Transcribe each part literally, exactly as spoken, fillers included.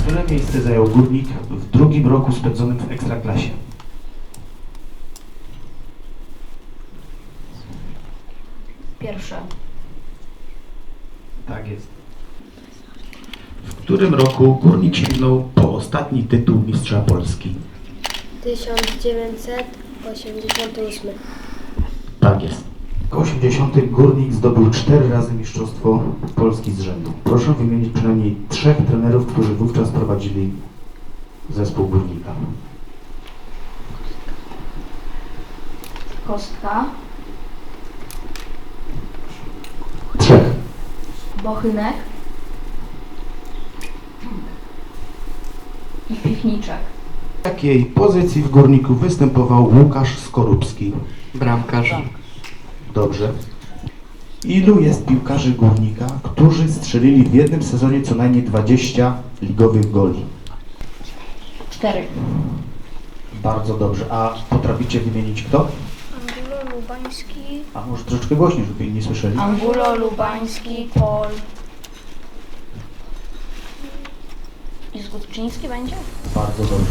Które miejsce zajął Górnik w drugim roku spędzonym w Ekstraklasie? Pierwsze. Tak jest. W którym roku Górnik sięgnął po ostatni tytuł mistrza Polski? tysiąc dziewięćset osiemdziesiąty ósmy. Tak jest. W osiemdziesiątym Górnik zdobył cztery razy mistrzostwo Polski z rzędu. Proszę wymienić przynajmniej trzech trenerów, którzy wówczas prowadzili zespół Górnika. Kostka. Trzech. Bochynek. I Piwniczek. W jakiej pozycji w Górniku występował Łukasz Skorupski? Bramkarz. Dobrze. Ilu jest piłkarzy Górnika, którzy strzelili w jednym sezonie co najmniej dwadzieścia ligowych goli? Cztery. Bardzo dobrze. A potraficie wymienić kto? Angulo Lubański. A może troszeczkę głośniej, żeby inni nie słyszeli? Angulo, Lubański, Pol. I Zgódczyński będzie? Bardzo dobrze.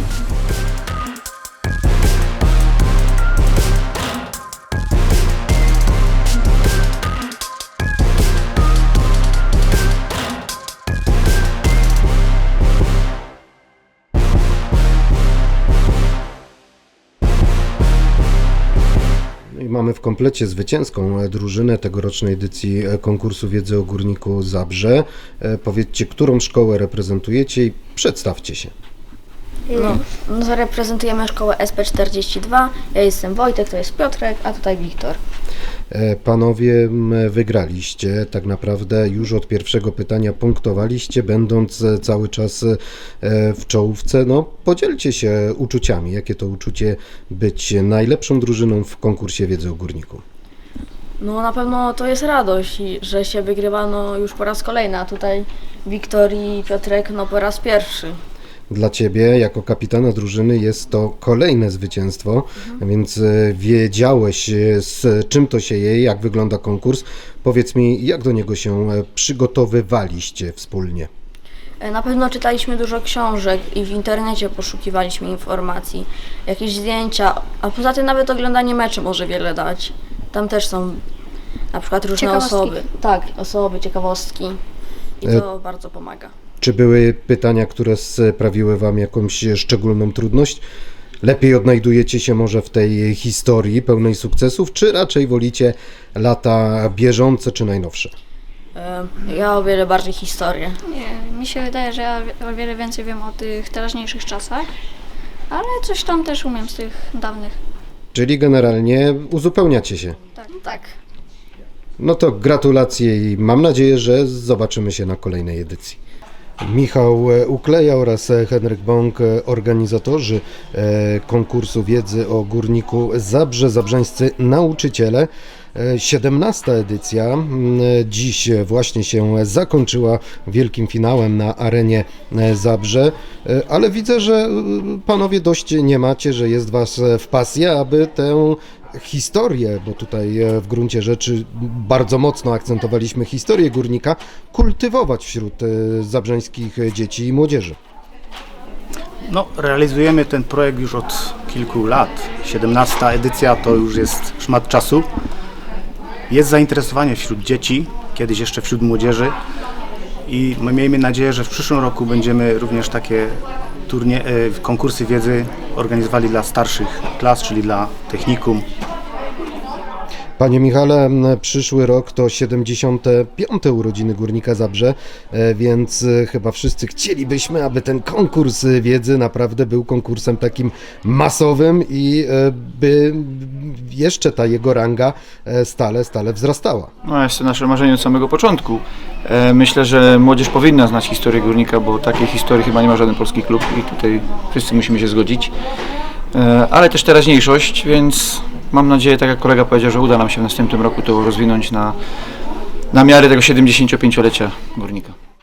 I mamy w komplecie zwycięską drużynę tegorocznej edycji konkursu wiedzy o Górniku Zabrze. Powiedzcie, którą szkołę reprezentujecie i przedstawcie się. No, no to reprezentujemy szkołę S P czterdzieści dwa. Ja jestem Wojtek, to jest Piotrek, a tutaj Wiktor. Panowie, wygraliście tak naprawdę już od pierwszego pytania, punktowaliście, będąc cały czas w czołówce. No, podzielcie się uczuciami. Jakie to uczucie być najlepszą drużyną w konkursie wiedzy o Górniku? No na pewno to jest radość, i że się wygrywa no, już po raz kolejny, a tutaj Wiktor i Piotrek no po raz pierwszy. Dla Ciebie, jako kapitana drużyny, jest to kolejne zwycięstwo, mhm. więc wiedziałeś, z czym to się je, jak wygląda konkurs. Powiedz mi, jak do niego się przygotowywaliście wspólnie? Na pewno czytaliśmy dużo książek i w internecie poszukiwaliśmy informacji, jakieś zdjęcia, a poza tym nawet oglądanie meczy może wiele dać. Tam też są na przykład różne Ciekawostki. osoby. Tak, osoby, ciekawostki i to e... bardzo pomaga. Czy były pytania, które sprawiły Wam jakąś szczególną trudność? Lepiej odnajdujecie się może w tej historii pełnej sukcesów, czy raczej wolicie lata bieżące czy najnowsze? Ja o wiele bardziej historię. Nie, mi się wydaje, że ja o wiele więcej wiem o tych teraźniejszych czasach, ale coś tam też umiem z tych dawnych. Czyli generalnie uzupełniacie się. Tak. Tak. No to gratulacje i mam nadzieję, że zobaczymy się na kolejnej edycji. Michał Ukleja oraz Henryk Bąk, organizatorzy konkursu wiedzy o Górniku Zabrze, zabrzańscy nauczyciele. siedemnasta edycja dziś właśnie się zakończyła wielkim finałem na arenie Zabrze, ale widzę, że panowie dość nie macie, że jest was w pasji, aby tę historię, bo tutaj w gruncie rzeczy bardzo mocno akcentowaliśmy historię Górnika, kultywować wśród zabrzeńskich dzieci i młodzieży. No, realizujemy ten projekt już od kilku lat. siedemnasta edycja to już jest szmat czasu. Jest zainteresowanie wśród dzieci, kiedyś jeszcze wśród młodzieży i my miejmy nadzieję, że w przyszłym roku będziemy również takie turnie, konkursy wiedzy organizowali dla starszych klas, czyli dla technikum. Panie Michale, przyszły rok to siedemdziesiąte piąte urodziny Górnika Zabrze, więc chyba wszyscy chcielibyśmy, aby ten konkurs wiedzy naprawdę był konkursem takim masowym i by jeszcze ta jego ranga stale, stale wzrastała. No jest to nasze marzenie od samego początku. Myślę, że młodzież powinna znać historię Górnika, bo takiej historii chyba nie ma żaden polski klub i tutaj wszyscy musimy się zgodzić. Ale też teraźniejszość, więc mam nadzieję, tak jak kolega powiedział, że uda nam się w następnym roku to rozwinąć na, na miarę tego siedemdziesięciopięciolecia Górnika.